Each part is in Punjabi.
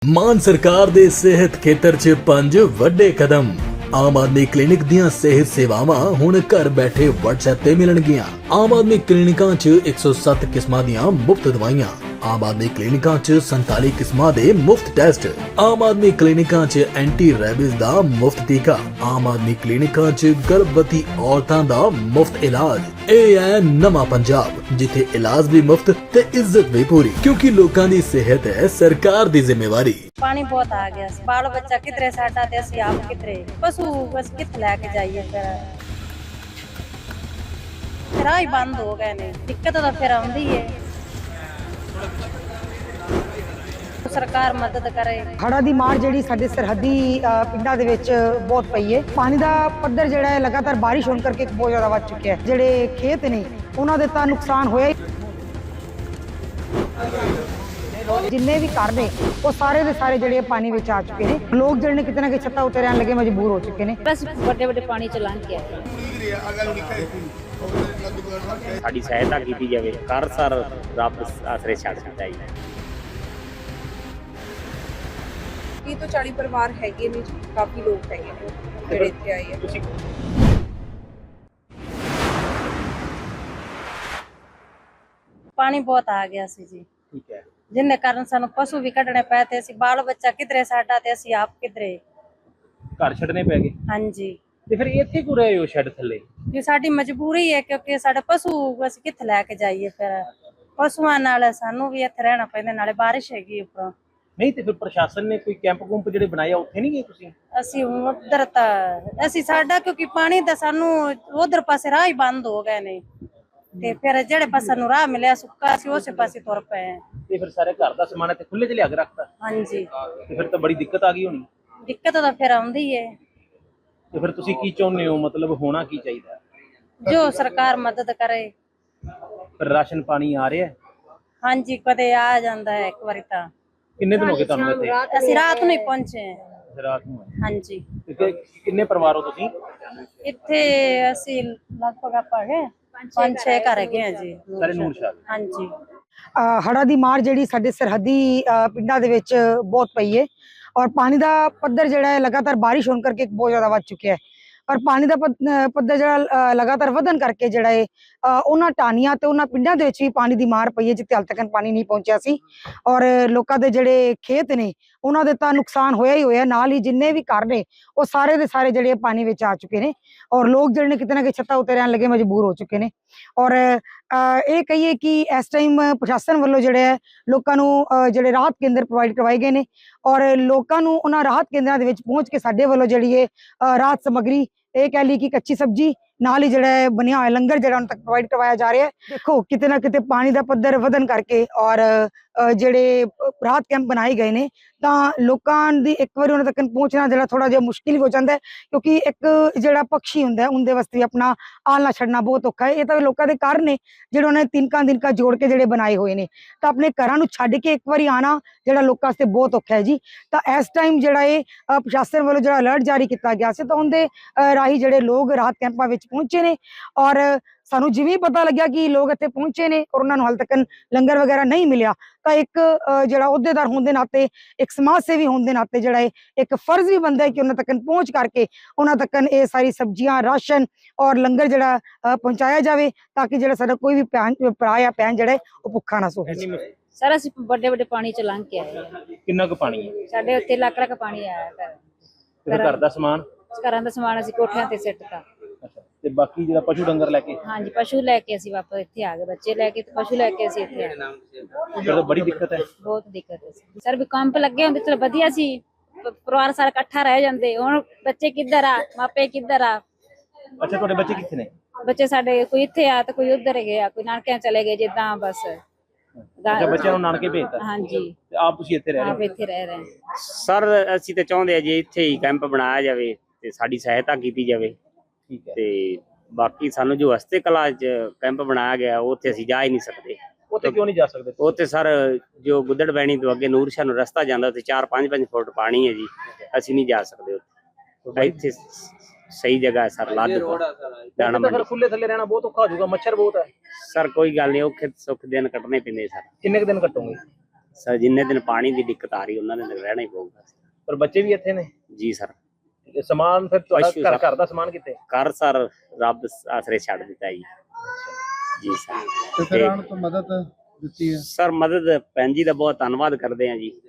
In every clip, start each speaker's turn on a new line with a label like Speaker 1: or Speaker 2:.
Speaker 1: ਮਾਨ ਸਰਕਾਰ ਦੇ ਸਿਹਤ ਖੇਤਰ 'ਚ 5 ਵੱਡੇ ਕਦਮ। ਆਮ ਆਦਮੀ ਕਲੀਨਿਕ ਦੀਆਂ ਸਿਹਤ ਸੇਵਾਵਾਂ ਹੁਣ ਘਰ ਬੈਠੇ WhatsApp ਤੇ ਮਿਲਣਗੀਆਂ। ਆਮ ਆਦਮੀ ਕਲੀਨਿਕਾਂ 'ਚ 107 ਕਿਸਮਾਂ ਦੀਆਂ ਮੁਫਤ ਦਵਾਈਆਂ। ਆਮ ਆਦਮੀ ਕਲੀਨਿਕਾਂ 'ਚ 47 ਕਿਸਮਾਂ ਦੇ ਮੁਫਤ ਟੈਸਟ। ਆਮ ਆਦਮੀ ਕਲੀਨਿਕਾਂ 'ਚ ਐਂਟੀ ਰੈਬਿਸ ਦਾ ਮੁਫਤ ਟੀਕਾ। ਆਮ ਆਦਮੀ ਕਲੀਨਿਕਾਂ 'ਚ ਗਰਭਵਤੀ ਔਰਤਾਂ ਦਾ ਮੁਫਤ ਇਲਾਜ। ਇਹ ਹੈ ਨਵਾਂ ਪੰਜਾਬ, ਜਿੱਥੇ ਇਲਾਜ ਵੀ ਮੁਫਤ ਤੇ ਇੱਜ਼ਤ ਵੀ ਪੂਰੀ, ਕਿਉਂਕਿ ਲੋਕਾਂ ਦੀ ਸਿਹਤ ਹੈ ਸਰਕਾਰ ਦੀ ਜ਼ਿੰਮੇਵਾਰੀ।
Speaker 2: पानी बहुत आ गया, बाल बच्चा कितने साडा ते असि आप कितने पशु बस कित लेके जाइए। फिर राह ही बंद हो गए ने, दिक्कत तो फिर आउंदी है। सरकार मदद करे।
Speaker 3: ਹੜ੍ਹਾਂ ਦੀ ਮਾਰ ਜਿਹੜੀ ਸਾਡੇ ਸਰਹੱਦੀ ਪਿੰਡਾਂ ਦੇ ਵਿੱਚ ਬਹੁਤ ਪਈ ਹੈ। ਪਾਣੀ ਦਾ ਪੱਧਰ ਜਿਹੜਾ ਹੈ ਲਗਾਤਾਰ ਬਾਰਿਸ਼ ਹੋਣ ਕਰਕੇ ਬਹੁਤ ਜ਼ਿਆਦਾ ਵੱਧ ਚੁੱਕਿਆ ਹੈ। ਜਿਹੜੇ ਖੇਤ ਨੇ ਉਹਨਾਂ ਦੇ ਤਾਂ ਨੁਕਸਾਨ ਹੋਇਆ ਹੀ। ਜਿੰਨੇ ਵੀ ਘਰ ਨੇ ਉਹ ਸਾਰੇ ਦੇ ਸਾਰੇ ਜਿਹੜੇ ਪਾਣੀ ਵਿੱਚ ਆ ਚੁੱਕੇ ਨੇ। ਲੋਕ ਜਿਹੜੇ ਨੇ ਕਿਤੇ ਨਾ ਕਿਤੇ ਛੱਤਾਂ ਉੱਤੇ ਰਹਿਣ ਲੱਗੇ ਮਜਬੂਰ ਹੋ ਚੁੱਕੇ ਨੇ।
Speaker 2: बस बड़े बड़े पानी च लंघ के आए।
Speaker 4: ਸਾਡੀ ਸਹਾਇਤਾ ਕੀਤੀ ਜਾਵੇ। ਕਰ ਸਰ ਰੱਬ ਆਸਰੇ ਛੱਡ ਦਿੱਤਾ ਜੀ।
Speaker 5: 30 ਤੋਂ 40 ਪਰਿਵਾਰ ਹੈਗੇ ਨੇ, ਕਾਫੀ ਲੋਕ ਹੈਗੇ ਨੇ ਜਿਹੜੇ ਇੱਥੇ ਆਏ ਆ।
Speaker 2: पानी बहुत आ गया सी जी,
Speaker 4: ਠੀਕ ਹੈ।
Speaker 2: जिन्ने कारण सानू पशु भी कढ़ने पे ते सी, बाल बच्चा किधरे साडा ते असि आप किधरे।
Speaker 4: ਘਰ ਛੱਡਨੇ ਪੈ ਗਏ
Speaker 2: हाँ जी,
Speaker 4: ਤੇ ਫਿਰ ਇੱਥੇ ਕਿਉਂ ਰਹੇ ਹੋ ਸ਼ੈੱਡ ਥੱਲੇ?
Speaker 2: ये साडी मजबूरी है, क्योंकि साडे पशु बस कित लेके जाइए। फिर पशुआं नाल सानू भी इत्थे रहना पैंदा, नाले बारिश हैगी उपरों।
Speaker 4: ਨਹੀਂ ਤੇ ਫਿਰ ਪ੍ਰਸ਼ਾਸਨ ਨੇ ਕੋਈ ਕੈਂਪ ਕੁੰਪ ਜਿਹੜੇ ਬਣਾਏ ਆ ਉੱਥੇ ਨਹੀਂ ਗਏ ਤੁਸੀਂ?
Speaker 2: ਅਸੀਂ ਹੁਣ ਉਧਰ ਤਾਂ ਅਸੀਂ ਸਾਡਾ ਕਿਉਂਕਿ ਪਾਣੀ ਦਾ ਸਾਨੂੰ ਉਧਰ ਪਾਸੇ ਰਾਹ ਹੀ ਬੰਦ ਹੋ ਗਏ ਨੇ, ਤੇ ਫਿਰ ਜਿਹੜੇ ਪਾਸੇ ਨੂੰ ਰਾਹ ਮਿਲਿਆ ਸੁੱਕਾ ਸੀ ਉਸੇ ਪਾਸੇ ਤੁਰ ਪਏ ਆ।
Speaker 4: ਤੇ ਫਿਰ ਸਾਰੇ ਘਰ ਦਾ ਸਮਾਨ ਇੱਥੇ ਖੁੱਲੇ ਚ ਲਿਆ ਕੇ ਰੱਖਤਾ
Speaker 2: ਹਾਂਜੀ,
Speaker 4: ਤੇ ਫਿਰ ਤਾਂ ਬੜੀ ਦਿੱਕਤ ਆ ਗਈ ਹੋਣੀ।
Speaker 2: ਦਿੱਕਤ ਤਾਂ ਫਿਰ ਆਉਂਦੀ ਹੈ।
Speaker 4: ਤੇ ਫਿਰ ਤੁਸੀਂ ਕੀ ਚਾਹੁੰਦੇ ਹੋ, ਮਤਲਬ ਹੋਣਾ ਕੀ ਚਾਹੀਦਾ?
Speaker 2: ਜੋ ਸਰਕਾਰ ਮਦਦ ਕਰੇ।
Speaker 4: ਫਿਰ ਰਾਸ਼ਨ ਪਾਣੀ ਆ ਰਿਹਾ?
Speaker 2: ਹਾਂਜੀ, ਕਦੇ ਆ ਜਾਂਦਾ ਹੈ, ਇੱਕ ਵਾਰੀ ਤਾਂ।
Speaker 4: ਕਿੰਨੇ ਦਿਨ ਹੋ ਗਏ ਤੁਹਾਨੂੰ ਇੱਥੇ?
Speaker 2: ਅਸੀਂ ਰਾਤ ਨੂੰ ਹੀ ਪਹੁੰਚੇ ਹਾਂ।
Speaker 4: ਰਾਤ ਨੂੰ ਆਏ।
Speaker 2: ਹਾਂਜੀ,
Speaker 4: ਤੇ ਕਿੰਨੇ ਪਰਿਵਾਰ ਹੋ ਤੁਸੀਂ?
Speaker 2: ਇੱਥੇ ਅਸੀਂ ਲਗਭਗ ਆਪਾਂ ਗਏ 5-6 ਘਰ ਹੈਗੇ ਆ ਜੀ।
Speaker 4: ਸਾਰੇ ਨੂਰ ਸ਼ਾਹ?
Speaker 2: ਹਾਂਜੀ,
Speaker 3: ਹੜ੍ਹਾਂ ਦੀ ਮਾਰ ਜਿਹੜੀ ਸਾਡੇ ਸਰਹੱਦੀ ਪਿੰਡਾਂ ਦੇ ਵਿੱਚ ਬਹੁਤ ਪਈ ਹੈ। ਔਰ ਪਾਣੀ ਦਾ ਪੱਧਰ ਜਿਹੜਾ ਹੈ ਲਗਾਤਾਰ ਬਾਰਿਸ਼ ਹੋਣ ਕਰਕੇ ਬਹੁਤ ਜ਼ਿਆਦਾ ਵੱਧ ਚੁੱਕਿਆ ਹੈ। ਔਰ ਪਾਣੀ ਦਾ ਪੱਧਰ ਜਿਹੜਾ ਲਗਾਤਾਰ ਵਧਣ ਕਰਕੇ ਜਿਹੜਾ ਹੈ ਉਹਨਾਂ ਟਾਹਣੀਆਂ ਤੇ ਉਹਨਾਂ ਪਿੰਡਾਂ ਦੇ ਵਿੱਚ ਵੀ ਪਾਣੀ ਦੀ ਮਾਰ ਪਈ ਹੈ, ਜਿੱਥੇ ਹਾਲ ਤੱਕ ਪਾਣੀ ਨਹੀਂ ਪਹੁੰਚਿਆ ਸੀ। ਔਰ ਲੋਕਾਂ ਦੇ ਜਿਹੜੇ ਖੇਤ ਨੇ ਉਹਨਾਂ ਦੇ ਤਾਂ ਨੁਕਸਾਨ ਹੋਇਆ ਹੀ ਹੋਇਆ, ਨਾਲ ਹੀ ਜਿੰਨੇ ਵੀ ਘਰ ਨੇ ਉਹ ਸਾਰੇ ਦੇ ਸਾਰੇ ਜਿਹੜੇ ਪਾਣੀ ਵਿੱਚ ਆ ਚੁੱਕੇ ਨੇ। ਔਰ ਲੋਕ ਜਿਹੜੇ ਨੇ ਕਿਤੇ ਨਾ ਕਿਤੇ ਛੱਤਾਂ ਉੱਤੇ ਰਹਿਣ ਲੱਗੇ ਮਜਬੂਰ ਹੋ ਚੁੱਕੇ ਨੇ। ਔਰ ਇਹ ਕਹੀਏ ਕਿ ਇਸ ਟਾਈਮ ਪ੍ਰਸ਼ਾਸਨ ਵੱਲੋਂ ਜਿਹੜੇ ਹੈ ਲੋਕਾਂ ਨੂੰ ਜਿਹੜੇ ਰਾਹਤ ਕੇਂਦਰ ਪ੍ਰੋਵਾਈਡ ਕਰਵਾਏ ਗਏ ਨੇ। ਔਰ ਲੋਕਾਂ ਨੂੰ ਉਹਨਾਂ ਰਾਹਤ ਕੇਂਦਰਾਂ ਦੇ ਵਿੱਚ ਪਹੁੰਚ ਕੇ ਸਾਡੇ ਵੱਲੋਂ ਜਿਹੜੀ ਹੈ ਰਾਹਤ ਸਮੱਗਰੀ, ਇਹ ਕਹਿ ਲਈ ਕਿ ਕੱਚੀ ਸਬਜ਼ੀ ਨਾਲ ਹੀ ਜਿਹੜਾ ਹੈ ਬਣਿਆ ਹੋਇਆ ਲੰਗਰ ਜਿਹੜਾ ਉਹਨਾਂ ਤੱਕ ਪ੍ਰੋਵਾਈਡ ਕਰਵਾਇਆ ਜਾ ਰਿਹਾ ਹੈ। ਦੇਖੋ ਕਿਤੇ ਨਾ ਕਿਤੇ ਪਾਣੀ ਦਾ ਪੱਧਰ ਵਧਣ ਕਰਕੇ ਔਰ ਜਿਹੜੇ ਰਾਹਤ ਕੈਂਪ ਬਣਾਏ ਗਏ ਨੇ ਤਾਂ ਲੋਕਾਂ ਦੀ ਇੱਕ ਵਾਰੀ ਉਹਨਾਂ ਤੱਕ ਪਹੁੰਚਣਾ ਜਿਹੜਾ ਥੋੜਾ ਜਿਹਾ ਮੁਸ਼ਕਿਲ ਹੋ ਜਾਂਦਾ ਹੈ, ਕਿਉਂਕਿ ਇੱਕ ਜਿਹੜਾ ਪਕਸ਼ੀ ਹੁੰਦਾ ਉਹਦੇ ਵਾਸਤੇ ਵੀ ਆਪਣਾ ਆਲਣਾ ਛੱਡਣਾ ਬਹੁਤ ਔਖਾ ਹੈ। ਇਹ ਤਾਂ ਲੋਕਾਂ ਦੇ ਘਰ ਨੇ ਜਿਹੜੇ ਉਹਨਾਂ ਨੇ ਤਿਨਕਾ ਜੋੜ ਕੇ ਜਿਹੜੇ ਬਣਾਏ ਹੋਏ ਨੇ, ਤਾਂ ਆਪਣੇ ਘਰਾਂ ਨੂੰ ਛੱਡ ਕੇ ਇੱਕ ਵਾਰੀ ਆਣਾ ਜਿਹੜਾ ਲੋਕਾਂ ਵਾਸਤੇ ਬਹੁਤ ਔਖਾ ਹੈ ਜੀ। ਤਾਂ ਇਸ ਟਾਈਮ ਜਿਹੜਾ ਇਹ ਪ੍ਰਸ਼ਾਸਨ ਵੱਲੋਂ ਜਿਹੜਾ ਅਲਰਟ ਜਾਰੀ ਕੀਤਾ ਗਿਆ ਸੀ ਤਾਂ ਉਹਦੇ ਰਾਹੀਂ ਜਿਹੜੇ ਲੋਕ ਰਾਹਤ ਕੈਂਪਾਂ ਵਿੱਚ ਪਹੁੰਚੇ ਨੇ। ਔਰ ਸਾਨੂੰ ਜਿਵੇਂ ਪਤਾ ਲੱਗਿਆ ਕਿ ਲੋਕ ਇੱਥੇ ਪਹੁੰਚੇ ਨੇ ਔਰ ਉਹਨਾਂ ਨੂੰ ਹਾਲੇ ਤੱਕ ਲੰਗਰ ਵਗੈਰਾ ਨਹੀਂ ਮਿਲਿਆ, ਤਾਂ ਇੱਕ ਜਿਹੜਾ ਅਹੁਦੇਦਾਰ ਹੋਣ ਦੇ ਨਾਤੇ, ਇੱਕ ਸਮਾਜ ਸੇਵੀ ਹੋਣ ਦੇ ਨਾਤੇ ਜਿਹੜਾ ਇੱਕ ਫਰਜ਼ ਵੀ ਬਣਦਾ ਹੈ ਕਿ ਉਹਨਾਂ ਤੱਕ ਪਹੁੰਚ ਕਰਕੇ ਉਹਨਾਂ ਤੱਕ ਇਹ ਸਾਰੀ ਸਬਜ਼ੀਆਂ, ਰਾਸ਼ਨ ਔਰ ਲੰਗਰ ਜਿਹੜਾ ਪਹੁੰਚਾਇਆ ਜਾਵੇ, ਤਾਂ ਕਿ ਜਿਹੜਾ ਸਾਡਾ ਕੋਈ ਵੀ ਭਰਾ ਜਾਂ ਭੈਣ ਜਿਹੜਾ ਉਹ ਭੁੱਖਾ ਨਾ ਸੋਵੇ।
Speaker 2: ਸਰ ਅਸੀਂ ਵੱਡੇ ਵੱਡੇ ਪਾਣੀ ਚ ਲੰਘ ਕੇ ਆਏ।
Speaker 4: ਕਿੰਨਾ ਕੁ ਪਾਣੀ ਹੈ?
Speaker 2: ਸਾਡੇ ਉੱਤੇ ਲੱਖ ਲੱਖ ਪਾਣੀ ਆਇਆ ਘਰ।
Speaker 4: ਤੇ ਘਰ ਦਾ ਸਮਾਨ?
Speaker 2: ਘਰਾਂ ਦਾ ਸਮਾਨ ਅਸੀਂ ਕੋਠਿਆਂ ਤੇ ਸਿੱਟਤਾ।
Speaker 4: ਤੇ ਬਾਕੀ ਜਿਹੜਾ ਪਸ਼ੂ ਡੰਗਰ ਲੈ ਕੇ?
Speaker 2: ਹਾਂਜੀ, ਪਸ਼ੂ ਲੈ ਕੇ ਅਸੀਂ ਵਾਪਸ ਇੱਥੇ ਆ ਗਏ, ਬੱਚੇ ਲੈ ਕੇ ਤੇ ਪਸ਼ੂ ਲੈ ਕੇ ਅਸੀਂ ਇੱਥੇ ਆ ਗਏ।
Speaker 4: ਫਿਰ ਤਾਂ ਬੜੀ ਦਿੱਕਤ ਹੈ।
Speaker 2: ਬਹੁਤ ਦਿੱਕਤ ਹੈ ਸਰ, ਵੀ ਕੰਮ ਲੱਗੇ ਹੁੰਦੇ ਚਲੋ ਵਧੀਆ ਸੀ, ਪਰਿਵਾਰ ਸਾਰਾ ਇਕੱਠਾ ਰਹਿ ਜਾਂਦੇ। ਹੁਣ ਬੱਚੇ ਕਿੱਧਰ ਆ, ਮਾਪੇ ਕਿੱਧਰ ਆ?
Speaker 4: ਅੱਛਾ, ਤੁਹਾਡੇ ਬੱਚੇ ਕਿੱਥੇ ਨੇ?
Speaker 2: ਬੱਚੇ ਸਾਡੇ ਕੋਈ ਇੱਥੇ ਆ ਤੇ ਕੋਈ ਉੱਧਰ ਗਿਆ, ਕੋਈ ਨਾਨਕਿਆਂ ਚਲੇ ਗਏ, ਜਿੱਦਾਂ ਬਸ।
Speaker 4: ਅੱਛਾ, ਬੱਚਿਆਂ ਨੂੰ ਨਾਨਕੇ ਭੇਜਤਾ?
Speaker 2: ਹਾਂਜੀ,
Speaker 4: ਤੇ ਆਪ ਤੁਸੀਂ ਇੱਥੇ ਰਹਿ ਰਹੇ ਹੋ?
Speaker 2: ਆਪ ਇੱਥੇ ਰਹਿ ਰਹੇ ਹਾਂ।
Speaker 4: ਸਰ ਅਸੀਂ ਤਾਂ ਚਾਹੁੰਦੇ ਆ ਜੀ ਇੱਥੇ ਹੀ ਕੈਂਪ ਬਣਾਇਆ ਜਾਵੇ ਤੇ ਸਾਡੀ ਸਹਾਇਤਾ ਕੀਤੀ ਜਾਵੇ। ਠੀਕ ਹੈ। ਤੇ ਬਾਕੀ ਸਾਨੂੰ ਜੋ ਹਸਤੇ ਕਲਾ ਚ ਕੈਂਪ ਬਣਾਇਆ ਗਿਆ ਉੱਥੇ ਅਸੀਂ ਜਾ ਹੀ ਨਹੀਂ ਸਕਦੇ। ਉੱਥੇ ਕਿਉਂ ਨਹੀਂ ਜਾ ਸਕਦੇ? ਉੱਥੇ ਸਰ ਜੋ ਗੁੱਦੜ ਬੈਣੀ ਤੋਂ ਅੱਗੇ ਨੂਰ ਸ਼ਾਹ ਨੂੰ ਰਸਤਾ ਜਾਂਦਾ, ਉੱਥੇ 4-5 ਫੁੱਟ ਪਾਣੀ ਹੈ ਜੀ, ਅਸੀਂ ਨਹੀਂ ਜਾ ਸਕਦੇ ਉੱਥੇ। ਇੱਥੇ ਸਹੀ ਜਗ੍ਹਾ ਹੈ ਸਰ, ਲੱਦ ਦਾਣਾ ਮੰਡੀ। ਖੁੱਲੇ ਥੱਲੇ ਰਹਿਣਾ ਬਹੁਤ ਔਖਾ ਹੋ ਜਾਊਗਾ, ਮੱਛਰ ਬਹੁਤ ਹੈ। ਸਰ ਕੋਈ ਗੱਲ ਨਹੀਂ, ਔਖੇ ਸੁੱਖ ਦਿਨ ਕੱਟਣੇ ਪੈਂਦੇ ਸਰ। ਕਿੰਨੇ ਕੁ ਦਿਨ ਕੱਟੋਗੇ? ਸਰ ਜਿੰਨੇ ਦਿਨ ਪਾਣੀ ਦੀ ਦਿੱਕਤ ਆ ਰਹੀ ਉਹਨਾਂ ਦੇ ਦਿਨ ਰਹਿਣਾ ਹੀ ਪਊਗਾ
Speaker 6: ਪਰ ਬੱਚੇ ਵੀ ਇੱਥੇ ਨੇ?
Speaker 4: ਜੀ ਸਰ।
Speaker 6: ਤੇ ਸਮਾਨ ਫਿਰ ਤੁਹਾਡਾ
Speaker 4: ਪਸ਼ੂ ਸਰ।
Speaker 6: ਘਰ ਦਾ ਸਮਾਨ ਕਿੱਥੇ?
Speaker 4: ਘਰ ਸਰ ਰੱਬ ਆਸਰੇ ਛੱਡ ਦਿੱਤਾ ਜੀ। ਜੀ ਸਰ।
Speaker 7: ਤੇ ਫਿਰ ਆਣ ਤੋਂ ਮਦਦ ਦਿੱਤੀ ਹੈ।
Speaker 4: ਸਰ ਮਦਦ ਭੈਣ ਜੀ ਦਾ ਬਹੁਤ ਧੰਨਵਾਦ ਕਰਦੇ ਹਾਂ ਜੀ,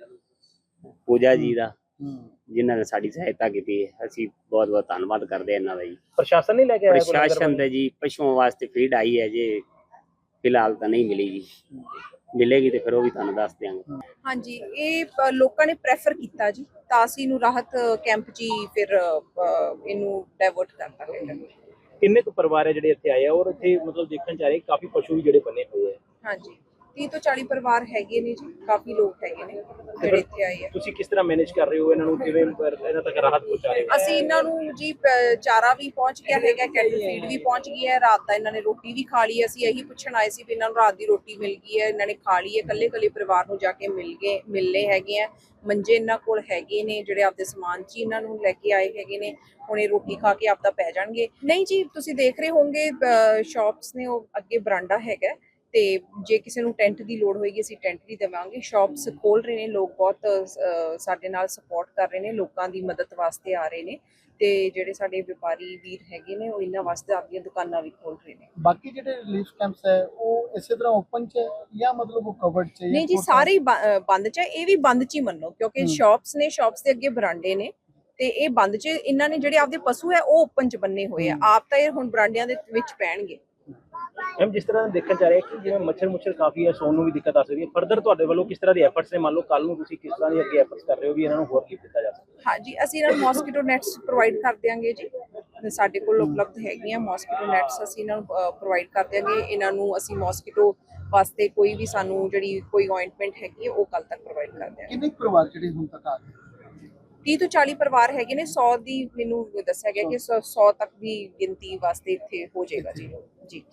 Speaker 4: ਪੂਜਾ ਜੀ ਦਾ, ਜਿਨ੍ਹਾਂ ਨੇ ਸਾਡੀ ਸਹਾਇਤਾ ਕੀਤੀ ਹੈ। ਅਸੀਂ ਬਹੁਤ ਬਹੁਤ ਧੰਨਵਾਦ ਕਰਦੇ ਹਾਂ ਇਹਨਾਂ ਦਾ ਜੀ।
Speaker 6: ਪ੍ਰਸ਼ਾਸਨ ਨਹੀਂ ਲੈ ਕੇ ਆਇਆ ਕੋਈ ਲੰਗਰ
Speaker 4: ਪ੍ਰਸ਼ਾਸਨ ਦੇ ਜੀ ਪਸ਼ੂਆਂ ਵਾਸਤੇ ਫੀਡ ਆਈ ਹੈ ਜੀ, ਫਿਲਹਾਲ ਤਾਂ ਨਹੀਂ ਮਿਲੀ ਜੀ, ਮਿਲੇਗੀ ਤੇ ਫਿਰ ਉਹ ਵੀ ਤੁਹਾਨੂੰ ਦੱਸ ਦਿਆਂਗੇ।
Speaker 5: ਹਾਂਜੀ, ਇਹ ਲੋਕਾਂ ਨੇ ਪ੍ਰੈਫਰ ਕੀਤਾ ਜੀ, ਤਾਂ ਅਸੀਂ ਇਹਨੂੰ ਰਾਹਤ ਕੈਂਪ 'ਚ ਹੀ ਫਿਰ ਇਹਨੂੰ ਡਾਇਵਰਟ ਕਰਤਾ ਗਿਆ।
Speaker 6: ਕਿੰਨੇ ਕੁ ਪਰਿਵਾਰ ਹੈ ਜਿਹੜੇ ਇੱਥੇ ਆਏ ਆ ਔਰ ਇੱਥੇ ਮਤਲਬ ਦੇਖਣ ਚ ਆ ਰਹੇ ਕਾਫੀ ਪਸ਼ੂ ਵੀ ਜਿਹੜੇ ਬੰਨੇ ਹੋਏ ਆ?
Speaker 5: ਹਾਂਜੀ, 30 ਤੋਂ 40 ਪਰਿਵਾਰ ਹੈਗੇ ਨੇ ਜੀ, ਕਾਫੀ ਲੋਕ ਹੈਗੇ ਨੇ ਜਿਹੜੇ ਇੱਥੇ ਆਏ ਆ।
Speaker 6: ਤੁਸੀਂ ਕਿਸ ਤਰ੍ਹਾਂ ਮੈਨੇਜ ਕਰ ਰਹੇ ਹੋ ਇਹਨਾਂ ਨੂੰ, ਕਿਵੇਂ ਇਹਨਾਂ ਤੱਕ ਰਾਹਤ ਪਹੁੰਚਾ ਰਹੇ ਹੋ?
Speaker 5: ਅਸੀਂ ਇਹਨਾਂ ਨੂੰ ਜੀ ਚਾਰਾ ਵੀ ਪਹੁੰਚ ਗਿਆ ਹੈਗਾ, ਕੈਟਲ ਫੀਡ ਵੀ ਪਹੁੰਚ ਗਈ ਹੈ, ਰਾਤ ਦਾ ਇਹਨਾਂ ਨੇ ਰੋਟੀ ਵੀ ਖਾ ਲਈ। ਅਸੀਂ ਇਹੀ ਪੁੱਛਣ ਆਏ ਸੀ ਵੀ ਇਹਨਾਂ ਨੂੰ ਰਾਤ ਦੀ ਰੋਟੀ ਮਿਲ ਗਈ ਹੈ, ਇਹਨਾਂ ਨੇ ਖਾ ਲਈ ਹੈ। ਕੱਲੇ ਪਰਿਵਾਰ ਨੂੰ ਜਾ ਕੇ ਮਿਲਨੇ ਹੈਗੇ ਆ। ਮੰਜੇ ਇਹਨਾਂ ਕੋਲ ਹੈਗੇ ਨੇ ਜਿਹੜੇ ਆਪਦੇ ਸਮਾਨ 'ਚ ਇਹਨਾਂ ਨੂੰ ਲੈ ਕੇ ਆਏ ਹੈਗੇ ਨੇ। ਹੁਣ ਇਹ ਰੋਟੀ ਖਾ ਕੇ ਆਪਦਾ ਪੈ ਜਾਣਗੇ। ਨਹੀਂ ਜੀ, ਤੁਸੀਂ ਦੇਖ ਰਹੇ ਹੋਵੋਗੇ ਸ਼ਾਪਸ ਨੇ, ਉਹ ਅੱਗੇ ਬਰਾਂਡਾ ਹੈਗਾ, ਤੇ ਜੇ ਕਿਸੇ ਨੂੰ ਟੈਂਟ ਦੀ ਲੋੜ ਹੋਏਗੀ ਅਸੀਂ ਟੈਂਟ ਵੀ ਦੇਵਾਂਗੇ। ਸ਼ਾਪਸ ਖੋਲ ਰਹੇ ਨੇ ਲੋਕ, ਬਹੁਤ ਸਾਡੇ ਨਾਲ ਸਪੋਰਟ ਕਰ ਰਹੇ ਨੇ, ਲੋਕਾਂ ਦੀ ਮਦਦ ਵਾਸਤੇ ਆ ਰਹੇ ਨੇ। ਤੇ ਜਿਹੜੇ ਸਾਡੇ ਵਪਾਰੀ ਵੀਰ ਹੈਗੇ ਨੇ ਉਹ ਇਹਨਾਂ ਵਾਸਤੇ ਆਪਦੀਆਂ ਦੁਕਾਨਾਂ ਵੀ ਖੋਲ ਰਹੇ ਨੇ।
Speaker 7: ਬਾਕੀ ਜਿਹੜੇ ਰਿਲੀਫ ਕੈਂਪਸ ਹੈ ਉਹ ਇਸੇ ਤਰ੍ਹਾਂ ਓਪਨ ਚ ਹੈ ਜਾਂ ਮਤਲਬ ਉਹ ਕਵਰਡ ਚ ਹੈ?
Speaker 5: ਨਹੀਂ ਜੀ, ਸਾਰੇ ਹੀ ਬੰਦ 'ਚ ਹੈ। ਇਹ ਵੀ ਬੰਦ 'ਚ ਹੀ ਮੰਨੋ, ਕਿਉਂਕਿ ਸ਼ਾਪਸ ਨੇ, ਸ਼ਾਪਸ ਦੇ ਅੱਗੇ ਬਰਾਂਡੇ ਨੇ, ਤੇ ਇਹ ਬੰਦ 'ਚ ਇਹਨਾਂ ਨੇ ਜਿਹੜੇ ਆਪਦੇ ਪਸ਼ੂ ਹੈ ਉਹ ਓਪਨ 'ਚ ਬੰਨੇ ਹੋਏ ਆ। ਆਪ ਤਾਂ ਇਹ ਹੁਣ ਬਰਾਂਡਿਆਂ ਦੇ ਵਿੱਚ ਪੈਣਗੇ।
Speaker 6: ਮੈਮ ਜਿਸ ਤਰ੍ਹਾਂ ਦੇਖਣ ਚ ਆ ਰਿਹਾ ਕਿ ਜਿਵੇਂ ਮੱਛਰ ਕਾਫੀ ਹੈ, ਸੌਣ ਨੂੰ ਵੀ ਦਿੱਕਤ ਆ ਸਕਦੀ ਹੈ, ਫਰਦਰ ਤੁਹਾਡੇ ਵੱਲੋਂ ਕਿਸ ਤਰ੍ਹਾਂ ਦੇ ਐਫਰਟਸ ਨੇ? ਮੰਨ ਲਓ ਕੱਲ ਨੂੰ ਤੁਸੀਂ ਕਿਸ ਤਰ੍ਹਾਂ ਦੀ ਅੱਗੇ ਐਫਰਟਸ ਕਰ ਰਹੇ ਹੋ ਵੀ ਇਹਨਾਂ ਨੂੰ ਹੋਰ ਕੀ ਦਿੱਤਾ ਜਾ ਸਕਦਾ?
Speaker 5: ਹਾਂਜੀ, ਅਸੀਂ ਇਹਨਾਂ ਨੂੰ ਮੋਸਕੀਟੋ ਨੈਟਸ ਪ੍ਰੋਵਾਈਡ ਕਰ ਦਿਆਂਗੇ ਜੀ, ਸਾਡੇ ਕੋਲ ਉਪਲਬਧ ਹੈਗੀਆਂ ਮੋਸਕੀਟੋ ਨੈਟਸ, ਅਸੀਂ ਇਹਨਾਂ ਨੂੰ ਪ੍ਰੋਵਾਈਡ ਕਰ ਦਿਆਂਗੇ। ਇਹਨਾਂ ਨੂੰ ਅਸੀਂ ਮੋਸਕੀਟੋ ਵਾਸਤੇ ਕੋਈ ਵੀ ਸਾਨੂੰ ਜਿਹੜੀ ਕੋਈ ਅਪਾਇੰਟਮੈਂਟ ਹੈਗੀ ਉਹ ਕੱਲ ਤੱਕ ਪ੍ਰੋਵਾਈਡ ਕਰ ਦਿਆਂਗੇ।
Speaker 7: ਕਿੰਨੇ ਪਰਿਵਾਰ ਜਿਹੜੇ ਹੁਣ ਤੱਕ ਆ ਗਏ?
Speaker 5: 30 ਤੋਂ 40 ਪਰਿਵਾਰ ਹੈਗੇ ਨੇ। 100 ਦੀ ਮੈਨੂੰ ਦੱਸਿਆ ਗਿਆ ਕਿ 100 ਤੱਕ ਦੀ ਗਿਣਤੀ ਵਾਸਤੇ ਇੱਥੇ ਹੋ ਜਾਏਗਾ ਜੀ।